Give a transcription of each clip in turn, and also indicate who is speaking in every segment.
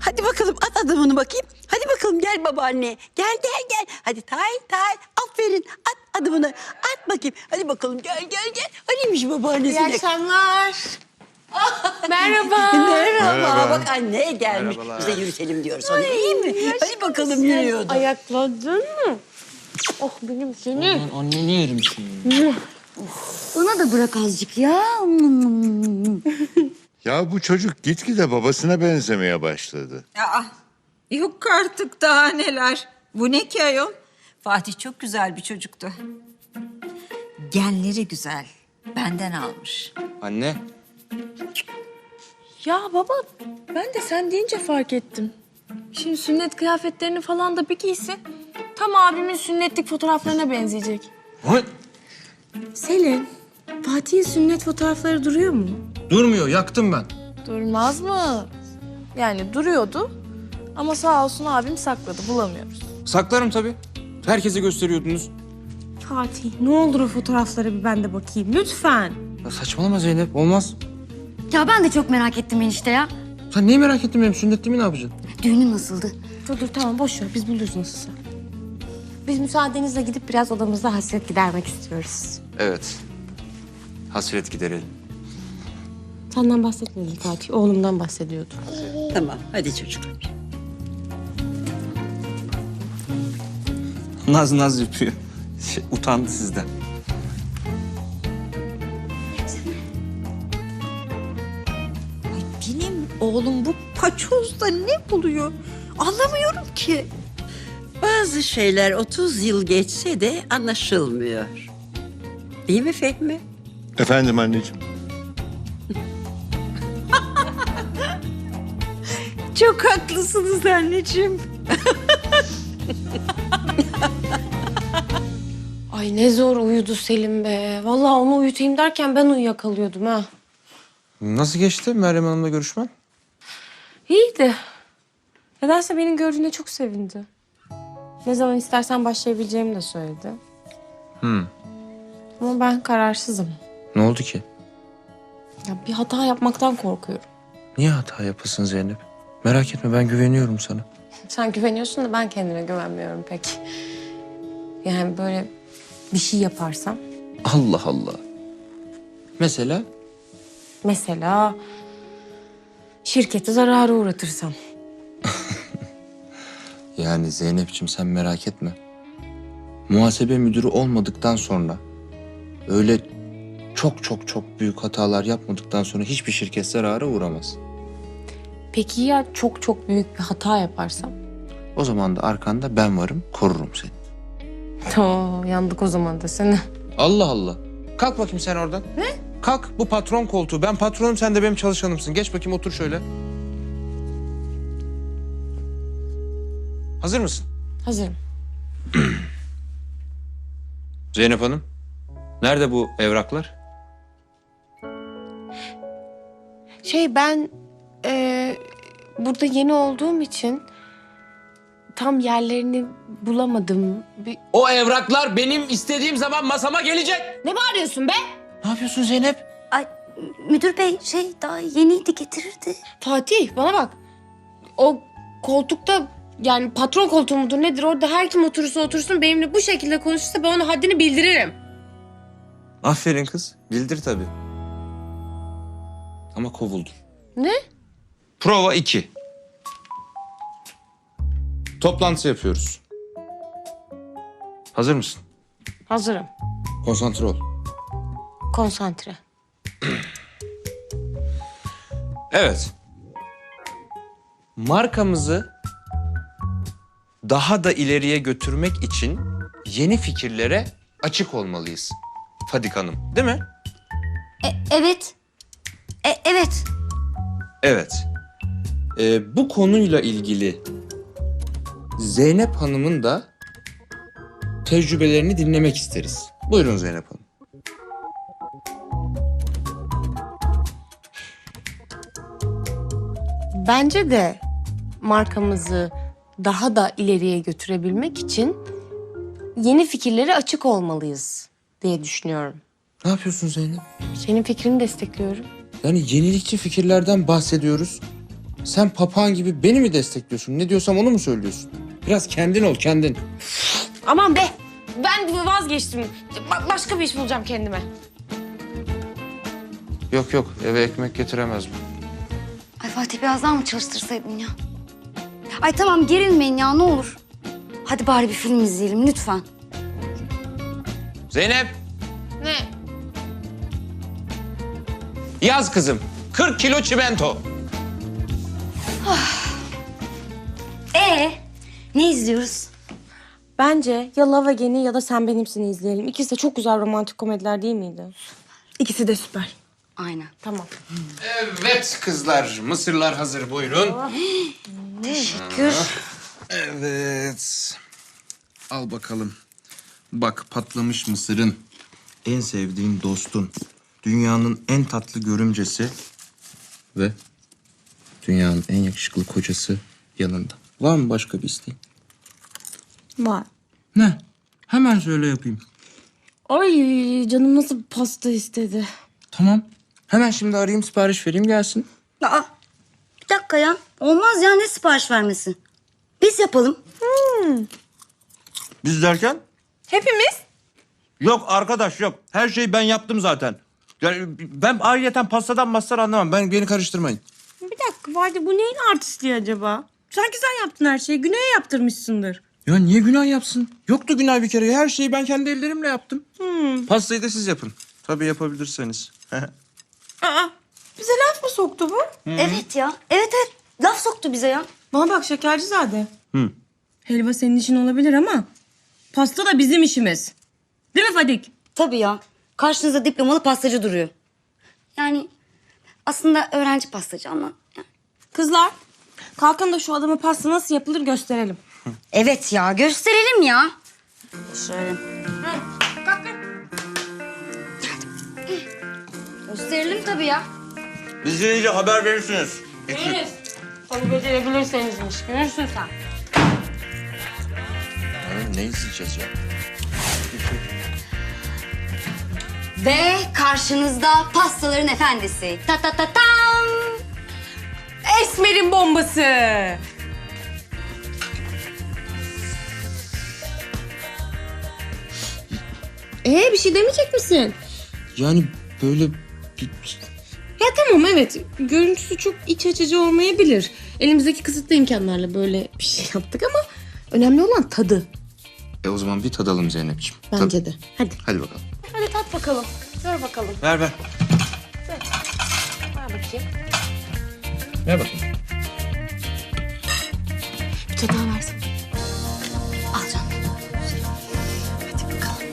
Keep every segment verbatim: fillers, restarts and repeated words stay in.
Speaker 1: Hadi bakalım at adımını bakayım. Hadi bakalım gel babaanne. Gel gel gel. Hadi tay tay. Aferin. At adımını. At bakayım. Hadi bakalım gel gel gel. Hanimiş babaannesine.
Speaker 2: İyi akşamlar. Merhaba.
Speaker 1: Merhaba.
Speaker 3: Merhaba.
Speaker 1: Bak anne gelmiş.
Speaker 3: Merhabalar.
Speaker 1: Biz de yürütelim diyor sana. İyi mi? Hadi bakalım yürüyordu.
Speaker 2: Ayakladın mı? Oh benim seni.
Speaker 4: Ben anneni yerim şimdi.
Speaker 5: Ona da bırak azıcık ya.
Speaker 3: Ya bu çocuk gitgide babasına benzemeye başladı.
Speaker 6: Aa, yok artık daha neler. Bu ne ki ayol? Fatih çok güzel bir çocuktu. Genleri güzel. Benden almış.
Speaker 4: Anne.
Speaker 2: Ya baba ben de sen deyince fark ettim. Şimdi sünnet kıyafetlerini falan da bir giyse tam abimin sünnetlik fotoğraflarına benzeyecek.
Speaker 4: What?
Speaker 2: Selin, Fatih'in sünnet fotoğrafları duruyor mu?
Speaker 4: Durmuyor, yaktım ben.
Speaker 2: Durmaz mı? Yani duruyordu ama sağ olsun abim sakladı bulamıyoruz.
Speaker 4: Saklarım tabii. Herkese gösteriyordunuz.
Speaker 2: Fatih ne olur o fotoğraflara bir ben de bakayım lütfen.
Speaker 4: Ya saçmalama Zeynep, olmaz.
Speaker 5: Ya ben de çok merak ettim enişte ya.
Speaker 4: Sen neyi merak ettin benim sünnetliğimi ne yapacaksın?
Speaker 5: Düğünün nasıldı?
Speaker 2: Dur dur tamam boş ver biz buluruz nasılsa. Biz müsaadenizle gidip biraz odamızda hasret gidermek istiyoruz.
Speaker 4: Evet. Hasret giderelim.
Speaker 2: Senden bahsetmedi Fatih, oğlumdan bahsediyordu.
Speaker 1: Tamam hadi çocuklar.
Speaker 4: Naz naz yapıyor. Şey, utandı sizden.
Speaker 6: Ay benim oğlum bu paçozda ne buluyor? Anlamıyorum ki.
Speaker 1: Bazı şeyler otuz yıl geçse de anlaşılmıyor. Değil mi Fehmi?
Speaker 3: Efendim anneciğim.
Speaker 6: Çok haklısınız anneciğim.
Speaker 2: Ay ne zor uyudu Selim be. Vallahi onu uyutayım derken ben uyuyakalıyordum ha.
Speaker 4: Nasıl geçti Meryem Hanım'la görüşmen?
Speaker 2: İyiydi. Nedense beni gördüğüne çok sevindi. Ne zaman istersen başlayabileceğimi de söyledi.
Speaker 4: Hı.
Speaker 2: Ama ben kararsızım.
Speaker 4: Ne oldu ki?
Speaker 2: Ya bir hata yapmaktan korkuyorum.
Speaker 4: Niye hata yapasın Zeynep? Merak etme, ben güveniyorum sana.
Speaker 2: Sen güveniyorsun da ben kendime güvenmiyorum pek. Yani böyle bir şey yaparsam.
Speaker 4: Allah Allah. Mesela?
Speaker 2: Mesela şirketi zarara uğratırsam.
Speaker 4: Yani Zeynep'ciğim sen merak etme. Muhasebe müdürü olmadıktan sonra, öyle çok çok çok büyük hatalar yapmadıktan sonra hiçbir şirket zarara uğramaz.
Speaker 2: Peki ya çok çok büyük bir hata yaparsam?
Speaker 4: O zaman da arkanda ben varım, korurum seni.
Speaker 2: Oo, yandık o zaman da seni.
Speaker 4: Allah Allah. Kalk bakayım sen oradan. Ne? Kalk, bu patron koltuğu. Ben patronum, sen de benim çalışanımsın. Geç bakayım, otur şöyle. Hazır mısın?
Speaker 2: Hazırım.
Speaker 4: Zeynep Hanım, nerede bu evraklar?
Speaker 2: Şey ben eee, burada yeni olduğum için tam yerlerini bulamadım. Bir...
Speaker 4: O evraklar benim istediğim zaman masama gelecek.
Speaker 2: Ne bağırıyorsun be?
Speaker 4: Ne yapıyorsun Zeynep?
Speaker 5: Ay müdür bey şey daha yeniydi getirirdi.
Speaker 2: Fatih bana bak. O koltukta yani patron koltuğu mudur nedir orada her kim oturursa otursun benimle bu şekilde konuşursa ben ona haddini bildiririm.
Speaker 4: Aferin kız. Bildir tabii. Ama kovuldun.
Speaker 2: Ne?
Speaker 4: Prova iki. Toplantı yapıyoruz. Hazır mısın?
Speaker 2: Hazırım.
Speaker 4: Konsantre ol.
Speaker 2: Konsantre.
Speaker 4: Evet. Markamızı daha da ileriye götürmek için yeni fikirlere açık olmalıyız. Fadik Hanım, değil mi?
Speaker 5: E, evet. E, evet.
Speaker 4: Evet. Ee, bu konuyla ilgili Zeynep Hanım'ın da tecrübelerini dinlemek isteriz. Buyurun Zeynep Hanım.
Speaker 2: Bence de markamızı daha da ileriye götürebilmek için yeni fikirlere açık olmalıyız diye düşünüyorum.
Speaker 4: Ne yapıyorsun Zeynep?
Speaker 2: Senin fikrini destekliyorum.
Speaker 4: Yani yenilikçi fikirlerden bahsediyoruz. Sen papağan gibi beni mi destekliyorsun? Ne diyorsam onu mu söylüyorsun? Biraz kendin ol, kendin.
Speaker 2: Aman be! Ben vazgeçtim. Ba- başka bir iş bulacağım kendime.
Speaker 4: Yok yok, eve ekmek getiremez bu.
Speaker 5: Ay Fatih biraz daha mı çalıştırsaydın ya? Ay tamam gerilmeyin ya ne olur. Hadi bari bir film izleyelim lütfen.
Speaker 4: Zeynep,
Speaker 2: Ne?
Speaker 4: yaz kızım. kırk kilo çimento.
Speaker 5: Ee, ne izliyoruz?
Speaker 2: Bence ya Love Again'i ya da Sen Benimsin'i izleyelim. İkisi de çok güzel romantik komediler değil miydi?
Speaker 1: İkisi de süper.
Speaker 5: Aynen.
Speaker 2: Tamam.
Speaker 4: Evet kızlar, mısırlar hazır buyurun.
Speaker 5: Teşekkür.
Speaker 4: Evet. Al bakalım. Bak patlamış mısırın, en sevdiğin dostun, dünyanın en tatlı görümcesi ve dünyanın en yakışıklı kocası yanında. Var mı başka bir isteğin?
Speaker 2: Var.
Speaker 4: Ne? Hemen söyle yapayım.
Speaker 2: Ay canım nasıl pasta istedi.
Speaker 4: Tamam. Hemen şimdi arayayım, sipariş vereyim gelsin.
Speaker 5: Aa, bir dakika ya. Olmaz ya ne sipariş vermesi? Biz yapalım.
Speaker 7: Biz derken?
Speaker 2: Hepimiz?
Speaker 7: Yok arkadaş yok. Her şeyi ben yaptım zaten. Yani ben ayrıyeten pastadan mastar anlamam. Ben
Speaker 4: Beni karıştırmayın.
Speaker 2: Bir dakika Vadi bu neyin artistliği acaba? Sanki sen yaptın her şeyi. Güney'e yaptırmışsındır.
Speaker 4: Ya niye günah yapsın? Yoktu günah bir kere. Her şeyi ben kendi ellerimle yaptım. Pastayı da siz yapın. Tabii yapabilirseniz.
Speaker 2: Aa, bize laf mı soktu bu?
Speaker 5: Evet ya. Evet evet. Laf soktu bize ya.
Speaker 2: Bana bak Şekercizade. Hı. Helva senin işin olabilir ama pasta da bizim işimiz. Değil mi Fadik?
Speaker 5: Tabii ya. Karşınızda diplomalı pastacı duruyor. Yani aslında öğrenci pastacı ama. yani.
Speaker 2: Kızlar, kalkın da şu adama pasta nasıl yapılır gösterelim.
Speaker 5: Evet ya gösterelim ya. Şöyle. Gösterelim tabii ya.
Speaker 7: Biz gelince haber verirsiniz.
Speaker 2: Görürüz. Tabii becerebilirseniz iş. Görürsün sen.
Speaker 4: Ne izleyeceğiz ya?
Speaker 5: Ve karşınızda pastaların efendisi. Ta ta ta tam.
Speaker 2: Esmer'in bombası. Ee bir şey demeyecek misin?
Speaker 4: Yani böyle bir...
Speaker 2: Ya tamam evet. Görüntüsü çok iç açıcı olmayabilir. Elimizdeki kısıtlı imkanlarla böyle bir şey yaptık ama önemli olan tadı.
Speaker 4: E o zaman bir tadalım Zeynep'ciğim.
Speaker 2: Bence
Speaker 4: Tad-
Speaker 2: de. Hadi.
Speaker 4: Hadi bakalım.
Speaker 2: Hadi tat bakalım. Ver bakalım.
Speaker 7: Ver ver.
Speaker 2: Ver bakayım.
Speaker 4: Ver bakalım.
Speaker 2: Bir çatal versin.
Speaker 5: Al canım. Hadi bakalım.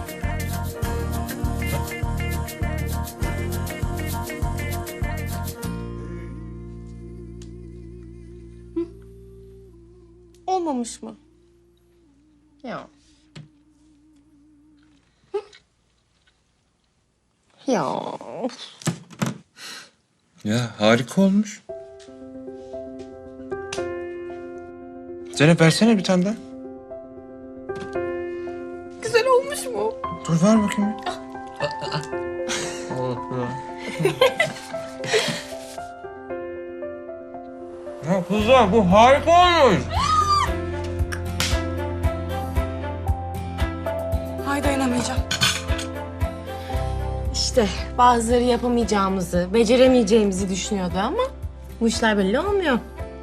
Speaker 2: Olmamış mı? Ya. Ya.
Speaker 4: Ya harika olmuş. Zeynep versene bir tane daha.
Speaker 2: Güzel olmuş mu?
Speaker 4: Dur ver bakayım.
Speaker 7: Ya kızlar bu harika olmuş.
Speaker 2: Hay dayanamayacağım. İşte bazıları yapamayacağımızı, beceremeyeceğimizi düşünüyordu ama bu işler belli olmuyor.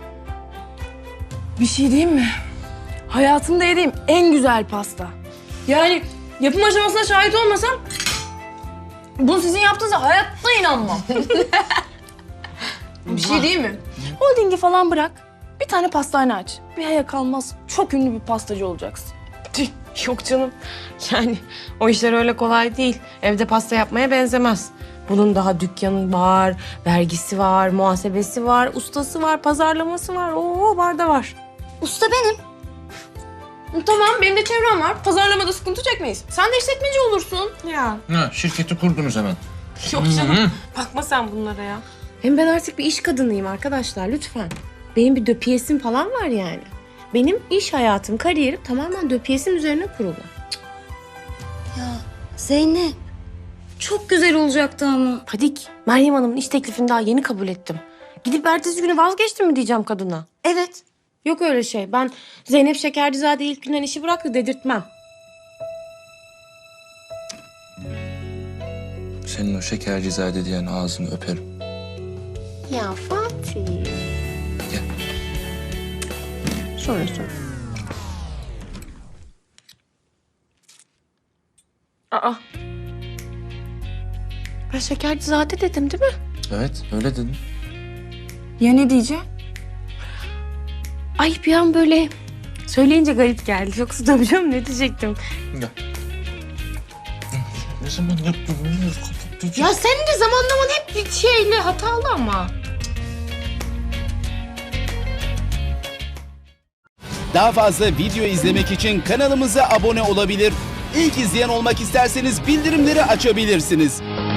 Speaker 8: Bir şey diyeyim mi? Hayatımda yediğim en güzel pasta. Yani yapım aşamasına şahit olmasam bunu sizin yaptığınıza hayatta inanmam. Bir şey diyeyim mi? Holdingi falan bırak. Bir tane pastane aç. Bir aya kalmaz çok ünlü bir pastacı olacaksın.
Speaker 2: Tüh, yok canım. Yani o işler öyle kolay değil. Evde pasta yapmaya benzemez. Bunun daha dükkanı var, vergisi var, muhasebesi var, ustası var, pazarlaması var. Oo var da var.
Speaker 5: Usta benim.
Speaker 2: Tamam benim de çevrem var. Pazarlamada sıkıntı çekmeyiz. Sen de işletmeci olursun. Ya.
Speaker 4: Ha, şirketi kurdunuz hemen.
Speaker 2: Yok canım. Bakma sen bunlara ya. Hem ben artık bir iş kadınıyım arkadaşlar lütfen. Benim bir döpiyesim falan var yani. Benim iş hayatım, kariyerim tamamen döpiyesim üzerine kurulu.
Speaker 5: Ya Zeynep. Çok güzel olacaktı ama.
Speaker 2: Fadik, Meryem Hanım'ın iş teklifini daha yeni kabul ettim. Gidip ertesi günü vazgeçtim mi diyeceğim kadına?
Speaker 5: Evet.
Speaker 2: Yok öyle şey. Ben Zeynep Şekercizade ilk günden işi bıraktı dedirtmem.
Speaker 4: Senin o şekercizade diyen ağzını öperim.
Speaker 2: Ya Fatih.
Speaker 4: Gel.
Speaker 2: Sonra sonra. Aa. Ben Şekercizade dedim değil mi?
Speaker 4: Evet öyle dedim.
Speaker 8: Ya ne diyeceğim?
Speaker 2: Ay bir an böyle söyleyince garip geldi. Yoksa da biliyorum ne diyecektim.
Speaker 4: Gel. Ne zaman yaptın?
Speaker 2: Ya senin de zamanlaman hep bir şeyle hatalı ama.
Speaker 9: Daha fazla video izlemek için kanalımıza abone olabilir. İlk izleyen olmak isterseniz bildirimleri açabilirsiniz.